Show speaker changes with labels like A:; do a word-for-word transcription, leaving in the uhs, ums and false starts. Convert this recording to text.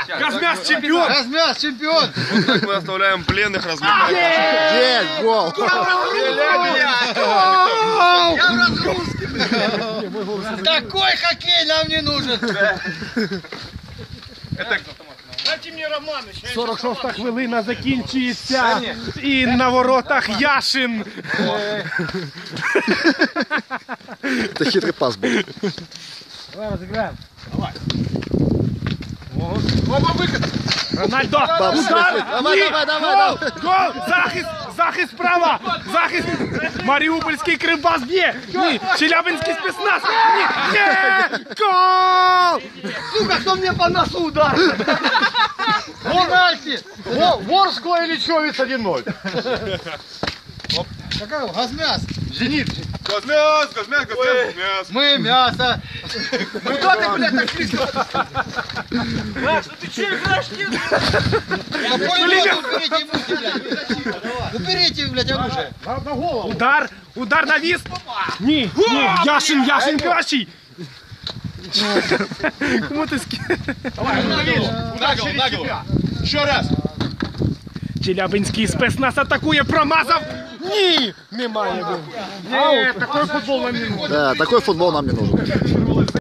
A: Казмяс чемпион!
B: Казмяс чемпион!
C: Вот так мы оставляем пленных размыкать.
B: Есть гол!
D: Я в разгрузке! Такой хоккей нам не нужен! Дайте мені Романа.
A: сорок шоста хвилина закінчується. І на воротах Яшин.
B: Це хитрий пас був.
D: Давай розіграємо.
A: Оба викид. Рональдо. Удар.
B: Давай, давай, давай,
A: Гол. Гол. Захист. Захист справа. Захист. Маріупольський Кривбас б'є. Ні. Челябинський спецназ. Ні. Ні. Гол.
D: Сука, кто мне по носу ударил? Пенальти! Ворскла или Човец один ноль? Какая? Газмяс! Зенит!
C: Газмяс, газмяс, газмяс, газмяс.
D: Мы мясо! Куда ты, блядь, так близко? Маш, ну ты че играешь? Уберите ему, блядь! Уберите, блядь, оружие!
A: На голову. Удар. Удар навіс. Ні. Ні. Яшин. Яшин кращий. Кому ти скинув?
D: Давай,
C: Нагл, нагл. Еще раз.
A: Челябинський спецназ атакує, промазав. Ні, немає. Ні, такий футбол нам не нужен.
B: Да, такой футбол нам не нужен.